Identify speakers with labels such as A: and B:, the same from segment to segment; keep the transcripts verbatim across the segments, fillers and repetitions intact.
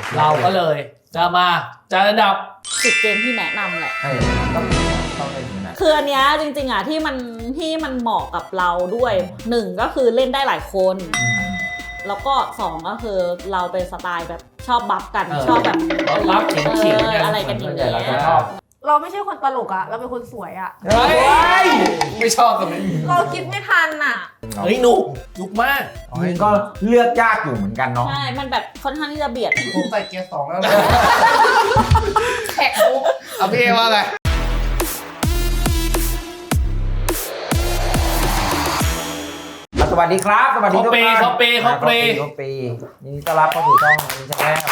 A: เราก็เลยจะมาจัดอันดับ
B: สิบเกมที่แนะนำแหละ
C: เออต้องต้องเล่นอยู่นะ
B: คืออันเนี้ยจริงๆอ่ะที่มันที่มันเหมาะกับเราด้วยหนึ่งก็คือเล่นได้หลายคนแล้วก็สองก็คือเราเป็นสไตล์แบบชอบบัฟกันชอบแบบ
A: บัฟเขียนๆ
B: อะไรกันอย่างเงี้ย
D: เราไม่ใช่คนตลกอะเราเป็นคนสวยอะ
A: เฮ้ยไม่ชอบกันเลย
D: เราคิดไม่ทันอะ
A: เฮ้ยหนุกหนุกมาก
C: มันก็เลือกยากอยู่เหมือนกันเนาะ
B: ใช่มันแบบค่อนข้างที่จะเบียด
E: ผมใส่เกียร์สองแล้วนะ
D: แขกโอ้
A: เอาพี่เอว่าไง
C: สวัสดีครับสวัสดีทุกท่าน
A: เขาเปย์เขาเปย์
C: เขาเปย์นี่ต้อนรับเข้าสู่ช่องนี้ช่องแรก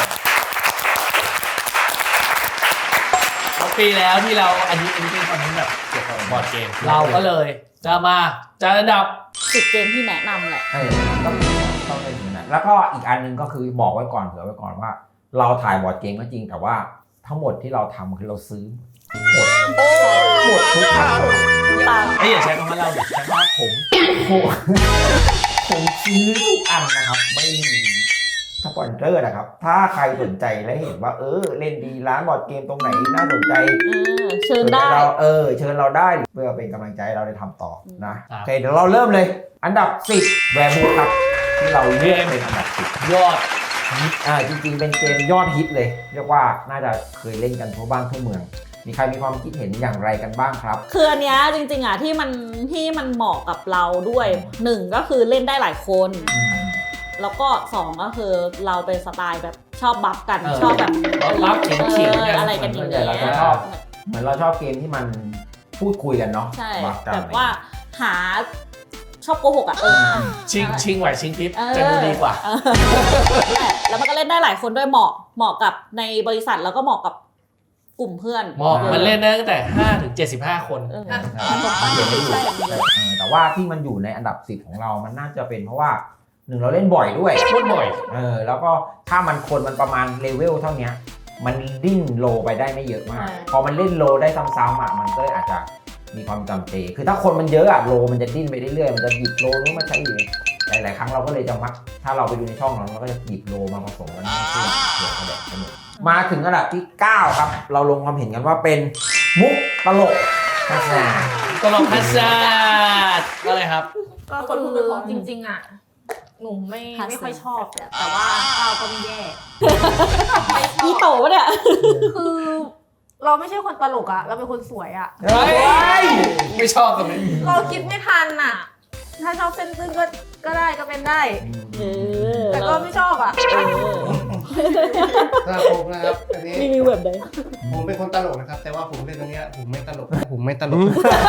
A: ปีแล้วที่เราอันนี้อันนี้เป็นคอนเทนต์แบบเกี่ยวกับบอร์ดเกมเราก็เลยจะมาจัดอันดับ
B: สิบเกมที่แนะนำแหละ
C: เออต้องต้องเล่นอยู่นะแล้วก็อีกอันนึงก็คือบอกไว้ก่อนเผื่อไว้ก่อนว่าเราถ่ายบอร์ดเกมก็จริงแต่ว่าทั้งหมดที่เราทำคือเราซื้อหมดหมดทุกอย่าง
A: ไอ้อย่าใช้คำว่าเราใช้คำว่าผม
C: ผมซื้อทุกอันนะครับไม่มีสปอนเซอร์นะครับถ้าใครสนใจและเห็นว่าเออเล่นดีร้านบอร์ดเกมตรงไหนน่าสนใจ
B: เชิญได้
C: เราเออเชิญเราได้เพื่อเป็นกำลังใจเราได้ทำต่อนะโอเคเดี๋ยวเราเริ่มเลยอันดับสิบแวร์บูครับที่เราเลือกเป็นอันดับสิบ
A: ยอด
C: ฮิตอ่าจริงๆเป็นเกมยอดฮิตเลยเรียกว่าน่าจะเคยเล่นกันทั่วบ้านทั่วเมืองมีใครมีความคิดเห็นอย่างไรกันบ้างครับ
B: คืออันเนี้ยจริงๆอ่ะที่มันที่มันเหมาะกับเราด้วยหนึ่งก็คือเล่นได้หลายคนแล้วก็สองก็คือเราเป็นสไตล์แบบชอบบัฟกันชอบแบบ
A: บัฟเขียนๆ
B: อะไรกันอย่างเงี้ย
C: เราชอบเหมือนเราชอบเกมที่มันพูดคุยกันเนาะ
B: ใช่แบบว่าหาชอบโกหกอ่ะ
A: ชิงชิงไหวชิงพริบจะดูดีกว่า
B: แล้วมันก็เล่นได้หลายคนด้วยเหมาะเหมาะกับในบริษัทแล้วก็เหมาะกับกลุ่มเพื่อน
A: เหมาะมันเล่นได้ตั้งแต่ห้าถึงเจ็ดสิบห้าคน
C: แต่ว่าที่มันอยู่ในอันดับสิบของเรามันน่าจะเป็นเพราะว่าหนึ่งเราเล่นบ่อยด้วย
A: เล่นบ่อย
C: เออแล้วก็ถ้ามันคนมันประมาณเลเวลเท่านี้มันดิ้นโลไปได้ไม่เยอะมากพอมันเล่นโลได้ซ้ำๆอ่ะมันก็อาจจะมีความจำเจคือถ้าคนมันเยอะอ่ะโลมันจะดิ้นไปเรื่อยๆมันจะหยิบโลนู้นมาใช้อยู่หลายๆครั้งเราก็เลยจะมักถ้าเราไปดูในช่องเราเราก็จะหยิบโลมาผสมกันเพื่อเผื่อกระแดกสนุกมาถึงอันดับที่เก้าครับเราลงความเห็นกันว่าเป็นมุกตลกฮัสซัน
A: ตลกฮัสซันก็เลยครับ
D: ก็คนพูดเป็นของจริงๆอ่ะหนูไม่ไม่ค่อยชอบแต่ว่าก้าวก็ไม่แย่
B: อีโตปะเนี่ย
D: คือเราไม่ใช่คนตลกอะเราเป็นคนสวยอะ
A: เฮ้ยไม่ชอบกันเลย
D: เราคิดไม่ทันอะถ้าชอบเส้นตึ้งก็ก็ได้ก็เป็นได้แต่ก็ไม่ชอบอะ
E: ถ้าผมนะครับอันนี้
B: รีวิวแบบไหน
E: ผมเป็นคนตลกนะครับแต่ว่าผมเล่นตรงนี้ผมไม่ตลกผมไม่ตลก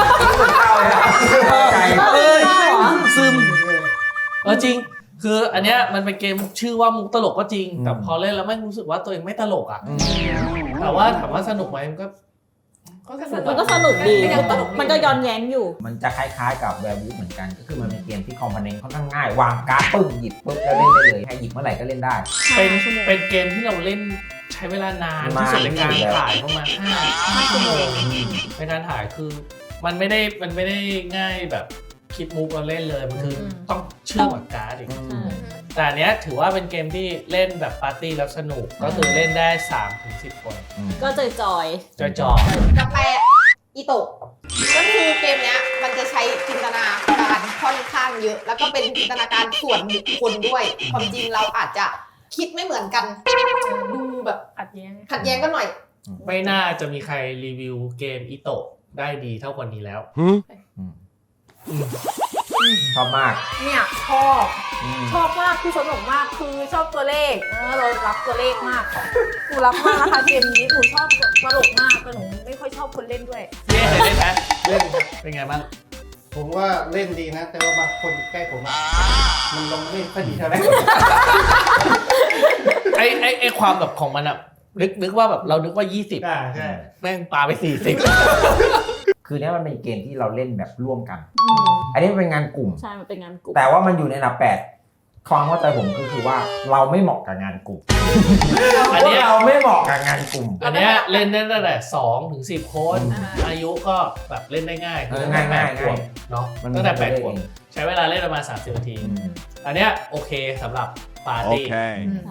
A: ใจเออซึมเออจริงคืออันเนี้ยมันเป็นเกมชื่อว่ามุกตลกก็จริงแต่พอเล่นแล้วไม่รู้สึกว่าตัวเองไม่ตลกอ่ะแต่ว่าถามว่าสนุกไหมมันก็
B: มันก็สนุกดีมันก็ย้อนแย้งอยู่
C: มันจะคล้ายๆกับแวร์วูฟเหมือนกันก็คือมันเป็นเกมที่คอมโพเนนต์ค่อนข้างง่ายวางการ์ดปึ้งหยิบปุ๊บแล้วเล่นได้เลยให้หยิบเมื่อไหร่ก็เล่นได้
A: เป็นเป็นเกมที่เราเล่นใช้เวลานานที่สุดในการถ่ายประมาณห้าชั่วโมงในการถ่ายคือมันไม่ได้มันไม่ได้ง่ายแบบคิดมุกเราเล่นเลยมันคือต้องเชื่อมกับการ์ดอีกแต่อันเนี้ยถือว่าเป็นเกมที่เล่นแบบปาร์ตี้แล้วสนุกก็คือเล่นได้ สามถึงสิบ คน
B: ก็จอยจอย
A: จอยจอย
D: กาแฟอีโตะก็คือเกมเนี้ยมันจะใช้จินตนาการค่อนข้างเยอะแล้วก็เป็นจินตนาการส่วนบุคคลด้วยความจริงเราอาจจะคิดไม่เหมือนกันดูแบบขัดแย้งขัดแย้งกันหน่อย
A: ไม่น่าจะมีใครรีวิวเกมอีโตะได้ดีเท่าคนนี้แล้ว
C: ชอบมาก
D: เนี่ยชอบชอบมากคือสนุกมากคือชอบตัวเลขเออเรารักตัวเลขมากหนูรักมากนะคะเกมนี้หนูชอบตลกมากแต่หนูไม่ค่อยชอบคนเล่นด้วย
A: เล่นเล่นไหมเล่นเป็นไงบ้าง
E: ผมว่าเล่นดีนะแต่ว่าบางคนใกล้ผมมันลงเล่นพอดีเท่าไหร่
A: ไอไอไอความแบบของมันอะนึกนึกว่าแบบเรานึกว่ายี่สิบ
E: อ่าใช่
A: แม่งปาไปสี่สิบ
C: คือเนี้ยมันเป็นเกมที่เราเล่นแบบร่วมกันอันนี้เป็นงานกลุ่ม
B: ใช่มันเป็นงานกลุ่ม
C: แต่ว่ามันอยู่ในอันดับแปดความเข้าใจผมก็คือว่าเราไม่เหมาะกับงานกลุ่มอันนี้เราไม่เหมาะกับงานกลุ่ม
A: อันนี้เล่นได้ตั้งแต่สองถึงสิบคนอายุก็แบบเล่นได้ง่าย
C: ง่ายง่าย
A: เนาะตั้งแต่แปดคนใช้เวลาเล่นประมาณสามสิบนาทีอันเนี้ยโอเคสำหรับปาร์ตี้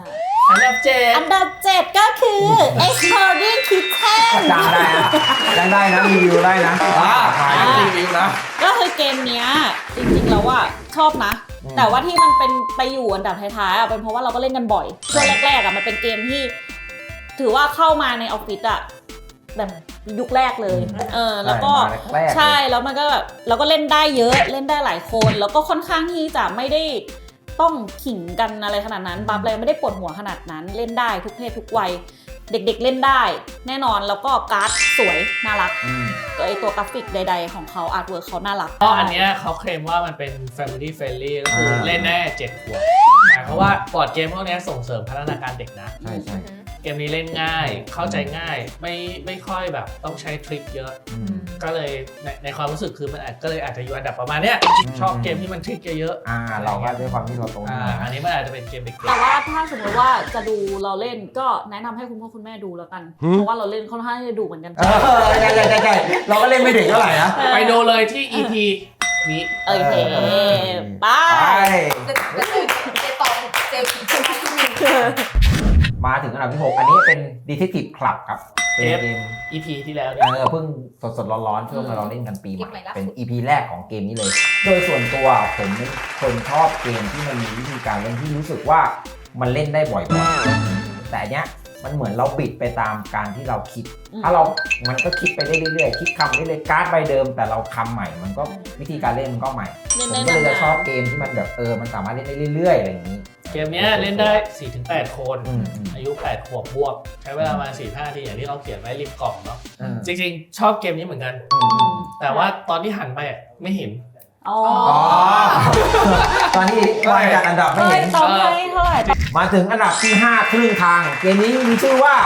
A: อันดับเจ็ด
B: อันดับเจ็ดก็คือ Exploding Kittens
C: จำได้นะจำได้นะรีวิวได้นะ
A: อ่า
C: อ่า
A: รีวิวนะ
B: ก็คือเกมเนี้ยจริงๆแล้วว่าชอบนะ
C: อืม
B: แต่ว่าที่มันเป็นไปอยู่อันดับท้ายๆอ่ะเป็นเพราะว่าเราก็เล่นกันบ่อยช่วงแรกๆอ่ะมันเป็นเกมที่ ถือว่าเข้ามาในออฟฟิศอ่ะแบบยุคแรกเลยเออแล้วก็
C: แรกๆเลย
B: ใช่แล้วมันก็แบบเราก็เล่นได้เยอะเล่นได้หลายคน แล้วก็ค่อนข้างที่จะไม่ได้ต้องขิงกันอะไรขนาดนั้นบัฟอะไรไม่ได้ปวดหัวขนาดนั้นเล่นได้ทุกเพศทุกวัยเด็กๆเล่นได้แน่นอนแล้วก็การ์ดสวยน่ารัก
C: อืม
B: ตัวไอตัวกราฟิกใดๆของเขาอาร์ตเวิร์คเขาน่ารัก
A: ก็อันเนี้ยเขาเคลมว่ามันเป็น Family Friendly ก็คือเล่นได้เจ็ดขวบหมายความว่าบอร์ดเกมพวกเนี้ยส่งเสริมพัฒนาการเด็กนะ
C: ใช่ใช่
A: เกมนี้เล่นง่าย เข้าใจง่าย ไม่ไม่ค่อยแบบต้องใช้ทริคเยอะ
C: อืม
A: ก็เลยในในความรู้สึกคือมันอาจก็เลยอาจจะอยู่อันดับประมาณเนี้ย
C: อืม
A: ชอบเกมที่มันทริคเยอะ
C: อ่าเราก็ด้วยความที่เราโต
A: ๆ
C: ขึ้
A: อ่าน
C: มา
A: อันนี้มันอาจจะเป็นเกมเด็ก
B: แต่ว่าถ้าสมมติว่าจะดูเราเล่นก็แนะนำให้คุณพ่อคุณแม่ดูแล้วกัน เพราะว่าเราเล่นค่อนข้างจะดูเหมือนกัน
C: เออใช่ใช่ใช่ใช่เราก็เล่นไม่ถึงเท่าไหร่นะ
A: ๆ ไปดูเลยที่ อี พี นี้
B: โอเค
C: เออ
B: ไป
C: ไป
D: เจเจตองเจเจ
C: มาถึงอันดับที่หกอันนี้เป็น Detective Club ครับเป็นเกม
A: อี พี ที่แล้ว
C: เอ
A: เนี่ย
C: อเพิ่งสดๆร้อนๆช่วงเราเล่นกันปีให
D: เกมใหม่
C: ม่
D: ล่าสุด
C: เป็น อี พี แรกของเกมนี้เลย โดยส่วนตัวผมเป็นคนชอบเกมที่มันมีวิธีการเล่นที่รู้สึกว่ามันเล่นได้บ่อยๆแต่อันเนี้ยมันเหมือนเราบิดไปตามการที่เราคิด
B: อืม
C: ถ้าเรา มันก็คิดไปได้เรื่อยๆคิดคำได้เลยการ์ดใบเดิม แต่เราคำใหม่ มันก็วิธีการเล่นมันก็ใหม่
B: เล่น
C: ผม
B: ได้
C: ก็เลยจะ
B: นานๆ
C: ชอบเกมที่มันแบบเออมันสามารถเล่นได้เรื่อยๆอะไรอย่างนี้
A: เกมเนี้ยเล่นได้ สี่ถึงแปด คน
C: อืมอืม
A: อายุ แปด ขวบบวก ใช้เวลาประมาณ สี่ถึงห้า นาทีอย่างที่เราเขียนไว้ริมกล่องเนาะ
C: อืม
A: จริงๆ ชอบเกมนี้เหมือนกัน
C: อืมอืม
A: แต่ว่าตอนที่หันไปอะไม่เห็น
B: อ๋อ
C: อ๋อ ตอนนี้วางจัดอันดับไม่
B: เฮ้ย
C: เห็น
B: ต้องให้เท่าไหร่
C: มาถึงอันดับที่ ห้า ครึ่งทาง เกมนี้มีชื่อว่า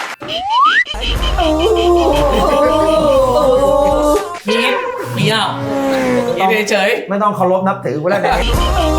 A: คิดเมียวคิดเฉย
C: ไม่ต้องเคารพนับถือกูแล้วเดี๋ยวนี้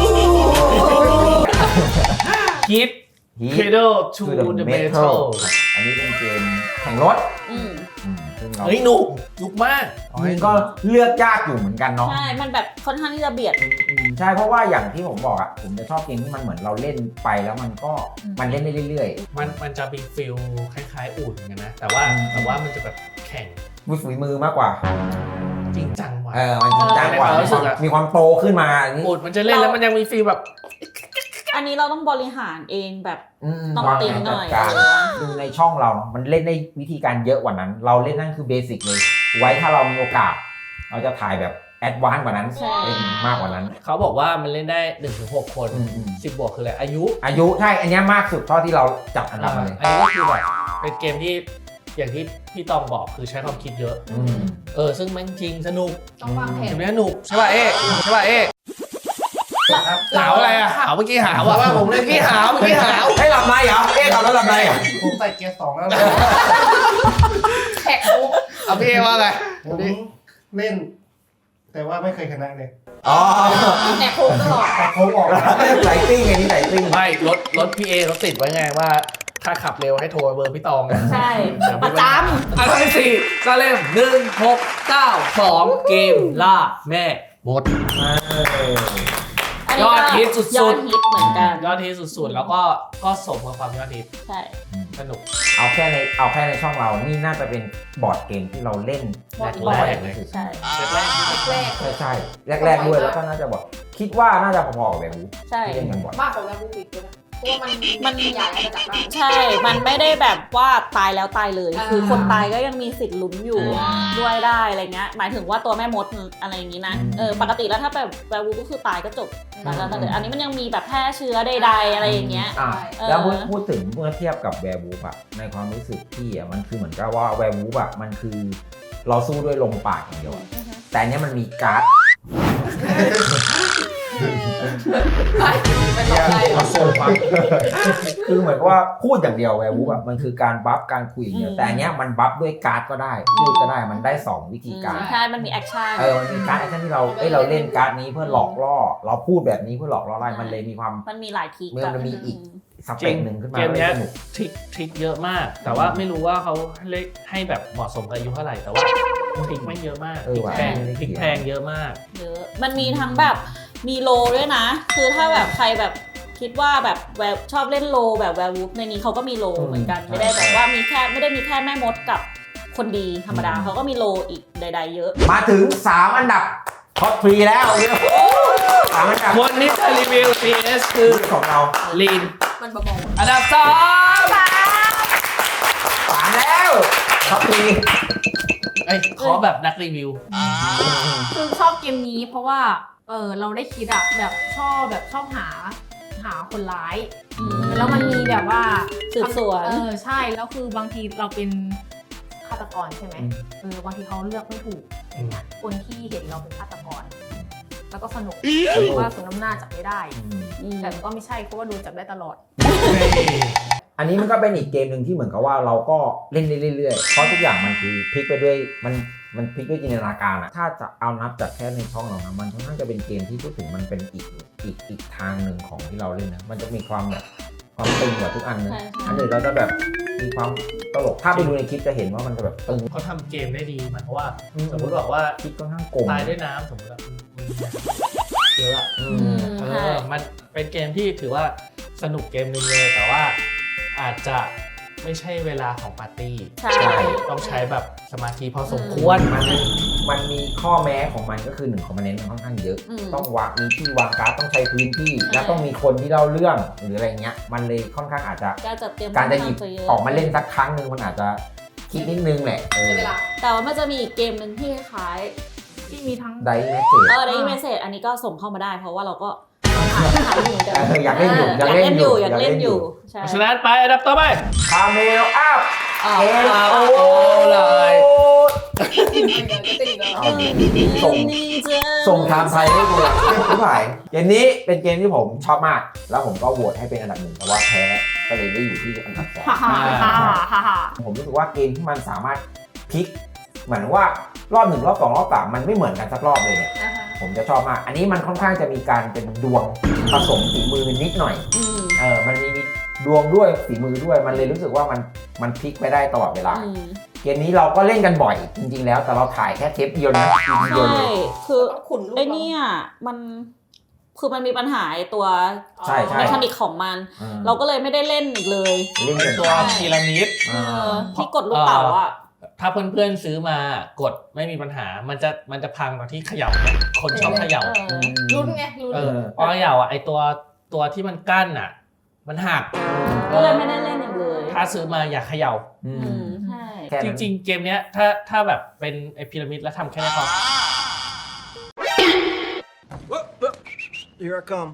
A: ๆคิด Cradle to the Metal
C: อันนี้เป็นเกมแข่งรถ
B: อืม
C: อืมซึ่งเรา
A: เฮ้ยหนุกยุกมาก
C: จริงๆก็เลือกยากอยู่เหมือนกันเนาะ
B: ใช่ มันแบบค่อนข้างที่จะเบียด
C: อืมอืมใช่เพราะว่าอย่างที่ผมบอกอ่ะผมจะชอบเกมที่มันเหมือนเราเล่นไปแล้วมันก็
B: อืม
C: มันเล่นได้เรื่อย
A: มันมันจะมีฟิลคล้ายๆอุ่นกันนะ แต่ว่า
C: อืม
A: แต่ว่ามันจะแบบแข่ง
C: ๆมือฝีมือมากกว่า
A: จริงจังว่ะ
C: เออมันจริงจังกว่า
A: เออ
C: มีความ
A: รู้สึกอะ
C: มีความโตขึ้นมาอันนี้
A: อุ่นมันจะเล่นแล้วมันยังมีฟิลแบบ
B: อันนี้เราต้องบริหารเองแบบ
C: ม
B: ต้อง
C: วาง
B: ติ
C: แผ
B: ง
C: น
B: ห
C: จั
B: น่
C: ด
B: อย
C: การดูในช่องเราเนอะมันเล่นได้วิธีการเยอะกว่านั้น เราเล่นนั่นคือเบสิกเลย ไว้ถ้าเรามีโอกาส เราจะถ่ายแบบแอดวานซ์กว่านั้น
B: ใช่
C: เล่นมากกว่านั้น
A: เขาบอกว่ามันเล่นได้ หนึ่งถึงหก คน
C: อืมอืม
A: สิบบวกคืออะไรอายุ
C: อายุใช่อันเนี้ยมากสุดเท่าที่เราจับอันดับมาเลย
A: อันนี้ก็คือแบบเป็นเกมที่อย่างที่พี่ตองบอกคือใช้ความคิดเยอะ
C: อืม
A: เออซึ่งแม่งจริงสนุก
D: ต้องวางแผ
A: เก
D: น
A: มนี้สนุกใช่ป่ะเอ๊ะใช่ป่ะเอ๊ะหาวอะไรอะหาวเมื่อกี้หาวอะว่าผมเล่นเมื่อกี้หาวเมื่อกี้หาว
C: ให้หลับในเหรอเอ๊ะหลับแล้วหลับในเหรอ
E: ผมใส่เกียร์สองแล้วนะ
D: แท็กมุก
A: เอาพี่เอ๊ว่าไง
E: ผมเล่น แต่ว่าไม่เคยชนะเลย
C: อ๋อ
D: แท็กโค้งตลอด
E: แต่โค้งออกนะ
C: ไหลติ้งไงนี่ไหลติ้ง
A: ไม่รถรถพี่เอเขาติดไว้ไงว่าถ้าขับเร็วให้โทรเบอร์พี่ตองไง
B: ใช่ ประจ
A: อันที่สี่ก็เล่มหนึ่งหกเก้าสองเกมล่าแม่หมด
B: ำอันนี้
A: ยอ
B: ก็
A: ดฮิตสุดๆ
B: ยอดฮิตเหมือนกัน
A: ยอดฮิตสุดๆ แล้วก็ก็สมกับความยอดฮิต
B: ใช่
A: สนุก
C: เอาแค่ในเอาแค่ในช่องเรา นี่น่าจะเป็นบอร์ดเกมที่เราเล่น
A: แรก
B: บ่อย
A: ๆเลย
B: ใช่
A: แรก
D: แรก
C: ใช่ใช่แรกๆด้วยแล้วก็น่าจะบอกคิดว่าน่าจะพอๆกับแบบนี้
B: ใช่
C: ที่เล่นกันบ่อย
D: มากกว่าแวร์บูฟิกด้วยนะเพราะว่ามัน
B: มัน
D: ใหญ่มาจากบ้าน
B: ใช่ มันไม่ได้แบบว่าตายแล้วตายเลย
D: อ่า
B: คือคนตายก็ยังมีสิทธิ์ลุ้นอยู่
A: อ่า
B: ด้วยได้อะไรเงี้ย หมายถึงว่าตัวแม่มดอะไรอย่างงี้นะ
C: อืม
B: เออ ปกติแล้วถ้าแบบแวร์วูฟก็คือตายก็จบ
C: อืม
B: ตายแล้วตายเลยอันนี้มันยังมีแบบแพร่เชื้อใดๆอะไรอย่างเงี้ย
C: อ่ะ
B: เออ
C: แล้วพูดพูดถึงเมื่อเทียบกับแวร์วูฟอะในความรู้สึกพี่อะมันคือเหมือนกับว่าแวร์วูฟอะมันคือเราสู้ด้วยลมปากอย่างเดียวอะแต่อันเนี้ยมันมีการ์ด
D: ไม่ต้องได้
C: มาส่งมาคือเหมือนกับว่าพูดอย่างเดียวแวร์วูฟอะมันคือการบัฟการคุยอย่างเดียว
B: อืม
C: แต่อันเนี้ยมันบัฟด้วยการ์ดก็ได้พูดก็ได้มันได้สองวิธีการ
B: ใช่ มันมีแอคชั่น
C: เออมันมีการ์ดแอคชั่นที่เราเอ้ยเราเล่นการ์ดนี้เพื่อหลอกล่อ เราพูดแบบนี้เพื่อหลอกล่อได้มันเลยมีความ
B: มันมีหลายทีก
C: มันมีอีก ส
A: ๆ
C: เปคหนึ่งขึ้นมา
A: เกมเนี้ย
C: สนุก
A: ทริคทริคเยอะมาก แต่ว่าไม่รู้ว่าเขาเล่นให้แบบเหมาะสมกับอายุเท่าไหร่ แต่ว่าทริคไม่เยอะมาก
C: เออ
A: ทริค
C: ว่ะ
A: แพง
C: ไม่ได้
A: ทริค
C: เขียน
A: แพงเยอะมาก
B: เยอะ มันมีทั้งแบบมีโลด้วยนะ คือถ้าแบบใครแบบคิดว่าแบบแววชอบเล่นโลแบบแวร์วูฟในนี้เขาก็มีโล
C: อืม
B: เหมือนกัน
C: ใช่
B: ไม่ได้แบบว่ามีแค่ไม่ได้มีแค่แม่มดกับคนดีธรรมดาเขาก็มีโลอีกใดๆเยอะ
C: มาถึงสามอันดับท็อปทรีแล้วสามอันดับ
A: คนนี้จะรีวิว พี เอส คือ
C: ของเรา
A: ลีน
D: มันเบา
A: อันดับสอง
C: สามแล้วท็อปทรี
A: เอ้ยขอแบบนักรีวิว
F: คือชอบเกมนี้เพราะว่าเออเราได้คิดอะแบบชอบแบบชอบหาหาคนร้าย
B: อืม
F: แล้วมันมีแบบว่า
B: สืบสวน
F: เออใช่แล้วคือบางทีเราเป็นฆาตกรใช่ไหมเออบางทีเขาเลือกไม่ถูกอย่างเงี้ยคนที่เห็นเราเป็นฆาตกร แล้วก็สนุกเพราะว่าสมน้ำหน้าจับไม่ได้
B: อืม
F: แต่ก็ไม่ใช่เพราะว่าโดนจับได้ตลอด
C: อันนี้มันก็เป็นอีกเกมหนึ่งที่เหมือนกับว่าเราก็เล่นได้เรื่อยๆเพราะทุกอย่างมันคือพลิกไปด้วยมันมันพลิกด้วยจินตนาการอะถ้าจะเอานับจากแค่ในช่องเรานะมันค่อนข้างจะเป็นเกมที่พูดถึงมันเป็นอีกอีกอีกทางหนึ่งของที่เราเล่นนะมันจะมีความแบบความตึงกว่าทุกอันนะ
B: ใช่ใช่
C: อันอื่นเราจะแบบมีความตลกถ้าไปดูในคลิปจะเห็นว่ามันจะแบบตึง
A: เขาทำเกมได้ดีหมายความว่าสมมติบอกว่า
C: คลิปค่อนข้างโกง
A: ตายด้วยน้ำสมมติว่าเยอะอะ
C: อื
B: อื
C: ม
B: ม
A: เอ
B: ใช่
A: อมันเป็นเกมที่ถือว่าสนุกเกมหนึงเลยแต่ว่าอาจจะไม่ใช่เวลาของปาร์ตี้
B: ใช่
A: ต้องใช้แบบสมาธิพอสมควร
C: มันมันมีข้อแม้ของมันก็คือหนึ่งคอมโพเนนต์มันค่อนข้างเยอะ
B: อืม
C: ต้องวางมีที่วางการ์ดต้องใช้พื้นที่
B: ใช่
C: แล้วต้องมีคนที่เล่าเรื่องหรืออะไรเงี้ยมันเลยค่อนข้างอาจจะ
B: การจัดเตรียม
C: การจะหยิบ
B: ค่อนข้งเย
C: ออกมาเล่นสักครั้งหนึ่งมันอาจจะคิดนิดนึงแหละเอ
D: ๆ
C: อ
D: ใช่เวลา
B: แต่ว่ามันจะมีอีกเกมหนึ่งที่คล้าย
F: ที่มีทั้ง
C: ไดเมสเซจ
B: เออได้เมสเซจอันนี้ก็ส่งเข้ามาได้ เพราราะว่าเราก็หาหาอยู่เหมือนกัน
C: เอออยากเล่นอยู่
B: อยากเล่นอยู่อยากเล่นอยู่ใช่
A: เพราะฉะนั้นไปอันดับต่อไป
C: คาเมลอัพ
B: อ่า
C: เอล
A: เอา
C: โอ
A: เลย
C: เอาส่งส่งไทม์ไทยให้ดูอะไม่ไหวเกมนี้เป็นเกมที่ผมชอบมาก แล้วผมก็โหวตให้เป็นอันดับหนึ่งแต่ว่าแพ้ก็เลยได้อยู่ที่อันดับสอง
F: ฮ่าฮ่าฮ่าฮ่าฮ่า
C: ผมรู้สึกว่าเกมที่มันสามารถพลิกเหมือนว่ารอบหนึ่งรอบสองรอบสามมันไม่เหมือนกันสักรอบเลยเนี่ย
D: อ่าฮะ
C: ผมจะชอบมาก อันนี้มันค่อนข้างจะมีการเป็นดวงผสมฝีมือนิดหน่อย
B: อืม
C: เออ มันมีดวงด้วยฝีมือด้วย มันเลยรู้สึกว่ามันมันพลิกไปได้ตลอดเวลา
B: อืม
C: เกมนี้เราก็เล่นกันบ่อยจริงๆแล้ว แต่เราถ่ายแค่เทปเดียวนะทีเดียว
B: ใช่
C: เลย
B: คือ
D: ต้องขุนลูก
B: ไอเนี่ยมันคือมันมีปัญหาไอ้ตัว
C: ใช่ใช่
B: เมคานิกของมัน
C: อืม
B: เราก็เลยไม่ได้เล่นอีกเลย
C: เล่นกัน
A: ตัวพีระมิด
B: เออที่กดลูกเต๋าอ่ะ
A: ถ้าเพื่อนๆซื้อมากดไม่มีปัญหา มันจะมันจะพังตอนที่เขย่าเนี่ยคนชอบเขย่า
B: เออ
C: อืม
D: ลุ้นไงลุ้น
A: เออพอเขย่าอ่ะไอตัวตัวที่มันกั้นอ่ะ มันหัก
B: ก็เลยไม่ได้เล่นอีกเลย
A: ถ้าซื้อมาอย่าเขย่า
C: อื
B: อื
C: ม
B: มใช่
C: แค่
A: จ
C: นั้น
A: ริงๆ เกมเนี้ยถ้าถ้าแบบเป็นไอพีระมิดแล้วทำแค่นี้พอ
E: Here I come.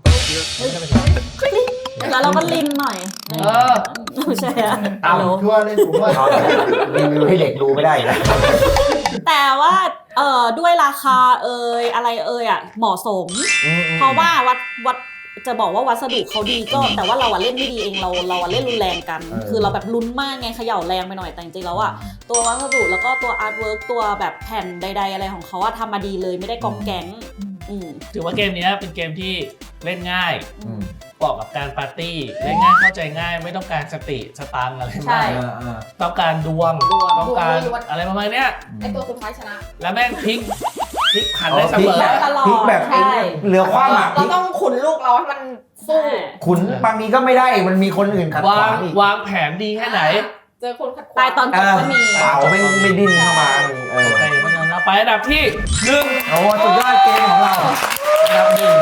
B: แล้วเราก็ลินหน่อย
A: เออ
B: ไม่ใช่อะ
C: เอา
B: ฮัลโหล
E: ทั่วเล่นผมว่า
C: เอารีวิวให้เด็กดูไม่ได้นะ
B: แต่ว่าเอ่อด้วยราคาเอ่ยอะไรเอ่ยอ่ะเหมาะสม
C: อืม
B: เพราะว่าวัดวัดจะบอกว่าวัสดุเขาดีก็ แต่ว่าเราอะเล่นไม่ดีเองเราเราอะเล่นรุนแรงกัน
C: เออ
B: คือเราแบบลุ้นมากไงเขย่าแรงไปหน่อยแต่จริงๆแล้วอะตัววัสดุแล้วก็ตัวอาร์ตเวิร์กตัวแบบแผ่นใด ๆ อะไรของเขาอะทำมาดีเลยไม่ได้กองแก๊งอืม
A: ถือว่าเกมเนี้ยเป็นเกมที่เล่นง่าย
C: อืม
A: เหมาะกับการปาร์ตี้เล่นง่ายเข้าใจง่ายไม่ต้องการสติสตังค์อะไร
B: ใช่
A: มาก
C: เออเออ
A: ต้องการดวง
B: ดวง
A: ต้องการ
D: ดวงล้วน
A: อะไรประมาณเนี้ย
D: ไอตัวสุดท้ายชนะ
A: แล้วแม่งพลิกพลิกผันได้เสมอ
C: พลิกแบบ
B: ตลอด
C: พลิกแบบ
B: ใช่
C: เหลือความหมักพ
D: เรา
C: ลิก
D: ต้องขุนลูกเราให้มันสู้
B: ใช่
C: ขุนบางทีก็ไม่ได้ มันมีคนอื่นขัดข
A: วาว
C: าง งอีก
A: วางแผนดีแค่ไหน
D: เจอคนขัดขวาง
B: ตายตอนจ
C: เอบอ
B: ก็มี
C: เปล่าไม่ไม่ดิ้นเข้ามาเออ
A: โอเคเพราะฉะนั้นเราไปอันดับที่หนึ่ง
C: โอ้สุดยอดเกมของเรา
A: อันดับหนึ่ง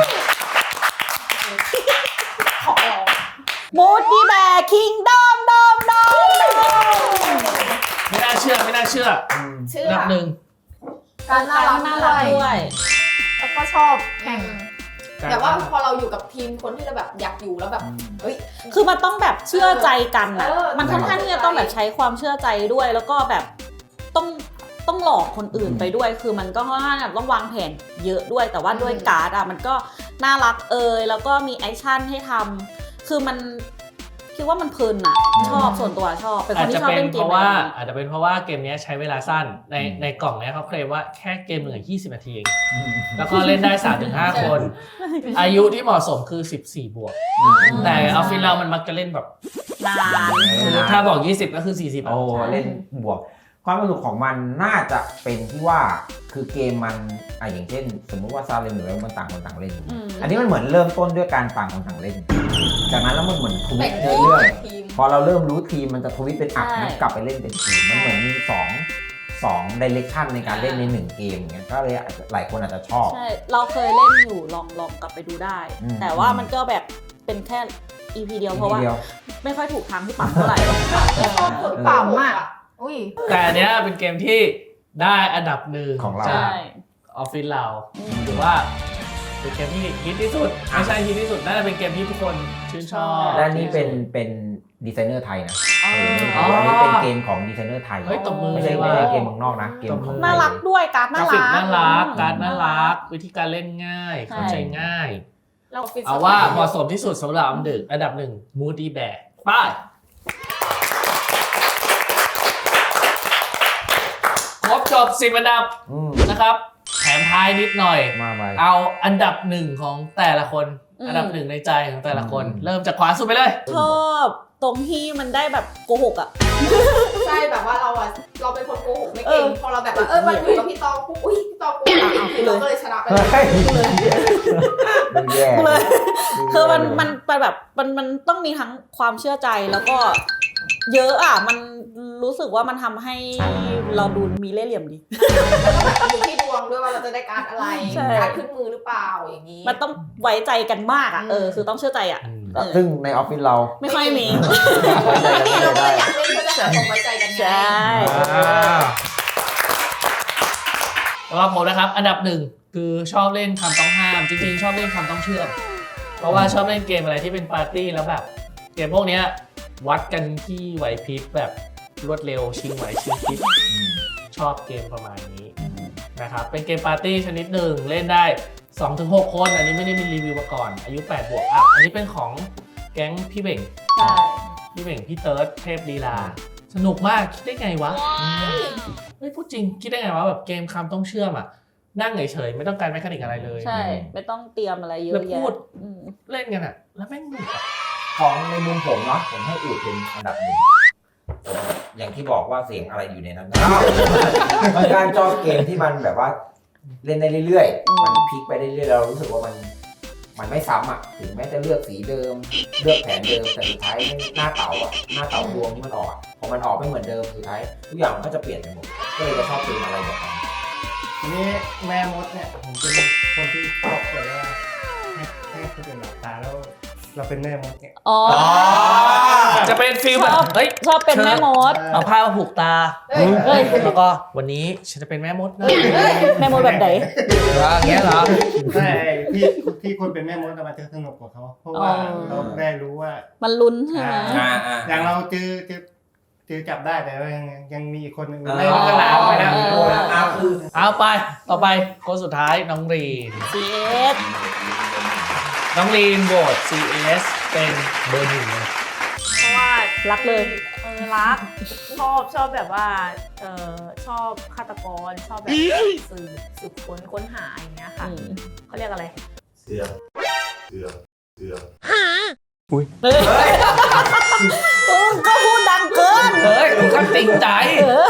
D: ของเรา
B: มูดดี้แบกคิงดอมดอมดอม
A: ไม่น่าเชื่อไม่น่าเชื่อ
D: เชื่อ
A: อันดับหนึ่ง
D: การน่ารัก
B: น่า
D: ด้
B: รั
D: ว
B: ก
D: ย
B: ด้วย
F: แล้วก็ชอบแข่ง
D: แต่ว่าพอเราอยู่กับทีมคนที่เราแบบอยากอยู่แล้วแบบเฮ้ย
B: คือมันต้องแบบเชื่อใจกันอะ
D: เออ
B: มันค่อนข้างที่จะต้องแบบใช้ความเชื่อใจด้วย แล้วก็แบบต้องต้องหลอกคนอื่นไปด้วย คือมันก็ค่อนข้างแบบต้องวางแผนเยอะด้วย แต่ว่าด้วยการ์ดอะมันก็น่ารักเอยแล้วก็มีแอคชั่นให้ทำคือมันคิดว่ามันเพลินอะชอบส่วนตัวชอบ เป็นค
A: อาจ
B: น
A: จะ
B: ที่ชอบ
A: เป็น
B: เล่นเก
A: เพ
B: ม
A: ราะ
B: แบบ
A: ว่า
B: นี้
A: อาจจะเป็นเพราะว่าเกมเนี้ยใช้เวลาสั้นใน
C: อืม
A: ในกล่องเนี้ยเขาเคลมว่าแค่เกมหนึ่งยี่สิบนาทีเองแล้วก็เล่นได้ สามถึงห้า คน อายุที่เหมาะสมคือสิบสี่บวก แต่ออฟฟิศเรามันมักจะเล่นแบบ
B: นาน
A: คือถ้าบอกยี่สิบก็คือสี่สิบ
C: โอ้เล่นบวกความสนุกของมันน่าจะเป็นที่ว่าคือเกมมันอ่ะอย่างเช่น สมมุติว่าซาเลมหรืออะไรมันต่างคนต่างเล่น
B: อืม
C: อันนี้มันเหมือนเริ่มต้นด้วยการต่างคนต่างเล่น จากนั้นแล้วมันเหมือนทวิ
D: แบ่
C: ต
D: ง
C: เรื่
D: ทีม
C: อย
D: แบ่งทีม
C: ๆพอเราเริ่มรู้ทีมมันจะทวิตเป็นอัด
B: ใช่
C: นั้นกลับไปเล่นเป็นทีมมันเหมือนมีสองสองดิเรกชันในการเล่นในหนึ่งเกมอย่างเงี้ยก็เลยอาจจะหลายคนอาจจะชอบ
B: ใช่เราเคยเล่นอยู่ลองลองกลับไปดูได้
C: อืม
B: แต่ว่ามันก็แบบเป็นแค่ อี พี เดียวเพราะว่า
C: ทีดีย
B: ไม่ค่อยถูกทางที่ปั๊มเท่าไหร่
D: ชอบกด
F: ต่ำอ่ะอุ้ย
A: แต่อันเนี้ยเป็นเกมที่ได้อันดับหนึ่ง
C: ของเรา
A: จาก
B: ใช่
A: ออฟฟิศเรา
B: อืม
A: ถือว่าเป็นเกมที่ฮิตที่สุดไม่ใช่ฮิตที่สุดน่าจะเป็นเกมที่ทุกคนชื่นชอบ
C: และนี่เป็นเป็นดีไซเนอร์ไทยนะ
B: อ๋อ
C: เอออันนี้เป็นเกมของดีไซเนอร์ไทย
A: เฮ้ยตบมือ
C: ไม่ใช่
A: เลย
C: ไม่
A: ว่า
C: ใช่เกมเมืองนอกนะเกมของ
B: น่ารักด้วยการ์ด
A: ก
B: น่า
A: ราฟิก
B: รัก
A: น่ารัก
B: อืม
A: การดน่ารัก วิธีการเล่นง่าย
B: ใช่
A: เข้าใจง่าย
F: เราฟิต
A: เอาว่าเหมาะสมที่สุดสำหรับอันดึกอันดับหนึ่ง Moody Bear ไปครบจบสิบอันดับ
C: อืม
A: นะครับ แถมท้ายนิดหน่อย
C: มาไป
A: เอาอันดับหนึ่งของแต่ละคน
B: อืม
A: อันดับหนึ่งในใจของแต่ละคน
C: อืม
A: เริ่มจากขวาสุดไปเลย
B: ชอบตรงที่มันได้แบบโกหกอ่ะ
D: ใช่แบบว่าเราอะเราเป็นคนโกหกไม่
B: เอ
D: เก่
B: อ
D: งพอเราแบบว่าเออมันอยู่กับพี่ตองปุ๊บอุ้ยพี่ตองโกหกอีกเราก็เลยชนะไปเลย
C: เฮ้ยดูแย่
B: กูเลย
C: ดูแย่
B: คือมันมันมันแบบมันมันต้องมีทั้งความเชื่อใจแล้วก็เยอะอ่ะมันรู้สึกว่ามันทำให้เราดูมีเล่ห์เหลี่ยมดี
D: อยู่ที่ดวงด้วยว่าเราจะได้การดอะไร
B: ใช่
D: การดขึ้นมือหรือเปล่าอย่างนี้
B: มันต้องไว้ใจกันมากอ่ะ
D: อืม
B: เออคือต้องเชื่อใจอ่ะ
C: ซึ่งในออฟฟิศเรา
B: ไม่ค่อยมี
D: นี่เราก็เลยอยากเล่นเพื่อจะหาความไว้ใจกันไง
B: ใช่
A: สำหรับผมนะครับ อันดับหนึ่งคือชอบเล่นคำต้องห้าม จริงๆ ชอบเล่นคำต้องเชื่อม เพราะว่าชอบเล่นเกมอะไรที่เป็นปาร์ตี้แล้วแบบ เกมพวกเนี้ยวัดกันที่ไหวพริบแบบรวดเร็วชิงไหวชิงพริบชอบเกมประมาณนี้นะครับเป็นเกมปาร์ตี้ชนิดหนึ่งเล่นได้ สองถึงหก คน อันนี้ไม่ได้มีรีวิวมาก่อน อายุแปดบวกอัพอันนี้เป็นของแก๊งพี่เบ่ง
B: ใช่
A: พี่เบ่งพี่เติร์ดเทพลีลา สนุกมากคิดได้ไงวะไม่พูดจริงคิดได้ไงวะแบบเกมคำต้องเชื่อมอ่ะนั่งเฉยๆไม่ต้องการแมคานิกอะไรเลย
B: ใช่ไม่ต้องเตรียมอะไรเย
A: แล้
B: อะ
A: ว
B: แยะ
A: พูด
B: อืม
A: เล่นกันอ่ะแล้วแม่งหนุกอะ
C: ของในมุมผมเนาะผมให้อูดเป็นอันดับหนึ่งอย่างที่บอกว่าเสียงอะไรอยู่ในนั้นมันการชอบเกมที่มันแบบว่าเล่นได้เรื่อยๆมันพลิกไปเรื่อยๆเรารู้สึกว่ามันมันไม่ซ้ำอ่ะถึงแม้จะเลือกสีเดิมเลือกแผนเดิมแต่สุดท้ายหน้าเต๋าอ่ะหน้าเต๋าดวงที่มันออกอะพอมันออกไม่เหมือนเดิมสุดท้ายทุกอย่างมันก็จะเปลี่ยนไปหมดก็เลยจะชอบเกมอะไรแบบนั้น
E: ทีนี้แม่มดเนี่ยผมเป็นคนที่ชอบแบบว่าให้ให้คนอื่นหลับตาแล้วเราเป็นแม่มดเนี่ย
B: อ๋อ
A: จะเป็นฟิลแบบเฮ้ย
B: ชอบเป็นแม่มด
A: เอาผ้ามาผูกตา
D: เฮ้ย
B: เฮ้ย
A: แล้วก็วันนี้ฉันจะเป็นแม่มดนะ
B: แม่มดแบบไหน
A: อย่างเงี้ยเหรอ
E: แต่ที่ที่คนเป็นแม่มดมันจะสนุกกว่าเขาเพราะว่า
B: อ๋อ
E: เราได้รู้ว่า
B: มันลุ้นใช่ไหม
E: อ่า
C: อ่า
E: อย่างเราเจอเจอเจอจับได้แต่ว่ายังยังมีอีกคนหนึ่ง
C: อ่า
E: ไม่รู้ก็ลามไปแล้ว
C: อ่าคือ
A: เอาไปต่อไปคนสุดท้ายน้องรีน
B: ซี เอส
A: น้องรีนโหวต ซี เอส เป็นเบอร์หนึ่งเลย
F: เพราะว่า
B: รักเลย
F: เออรักชอบชอบแบบว่าเออชอบฆาตกรชอบแบบสืบสืบค้นค้นหาอย่างเงี้ยค่ะ
B: อืม
F: เขาเรียกอะไร
G: เสือกเสือกเสือก
B: เฮ้ยเออก็พูดดังเกิน
A: เฮ้ยผมขั้นติงใจ
B: เออ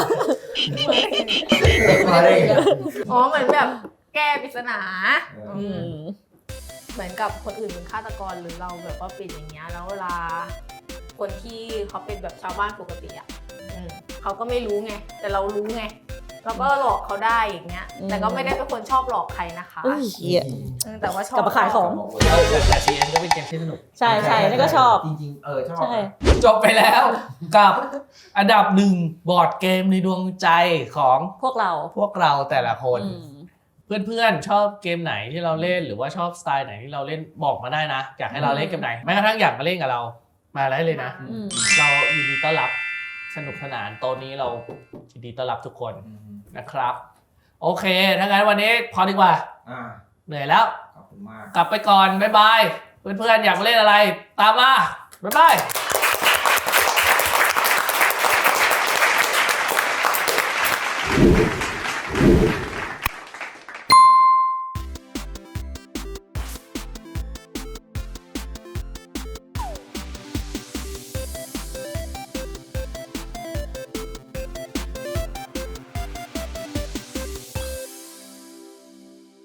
F: อ๋อเหมือนแบบแก้ปริศนา
B: อืม
F: เหมือนกับคนอื่นเป็นฆาตกรหรือเราแบบว่าเป็นอย่างเงี้ยแล้วเวลาคนที่เขาเป็นแบบชาวบ้านปกติอ่ะอืมเขาก็ไม่รู้ไงแต่เรารู้ไงเราก็หลอกเขาได้อย่างเงี้ย
B: อืม
F: แต่ก็ไม่ได้เป็นคนชอบหลอกใครนะคะ
B: อุ้ยเหี้ย
F: เออแต่ว่าชอบ
B: กลับมาขายของ
A: แต่ ซี เอส ก็เป็นเกมที่สนุก
B: ใช่ใช่นี่ก็ชอบ
C: จริงๆ เออชอบ
B: ใช่
A: จบไปแล้วกับอันดับหนึ่งบอร์ดเกมในดวงใจของ
B: พวกเรา
A: พวกเราแต่ละคน
B: อืม
A: เพื่อนๆ ชอบเกมไหนที่เราเล่นหรือว่าชอบสไตล์ไหนที่เราเล่นบอกมาได้นะ อยากให้เราเล่นเกมไหนแม้กระทั่งอยากมาเล่นกับเรามาได้เลยนะ
B: อืม
A: เรายินดีต้อนรับสนุกสนานโต๊ะนี้เรายินดีต้อนรับทุกคนนะครับ โอเคถ้างั้นวันนี้พอดีกว่า
C: อ่า
A: เหนื่อยแล้ว
C: ขอบคุณมาก
A: กลับไปก่อนบ๊ายบายเพื่อนๆอยากมาเล่นอะไร ตามมาบ๊ายบาย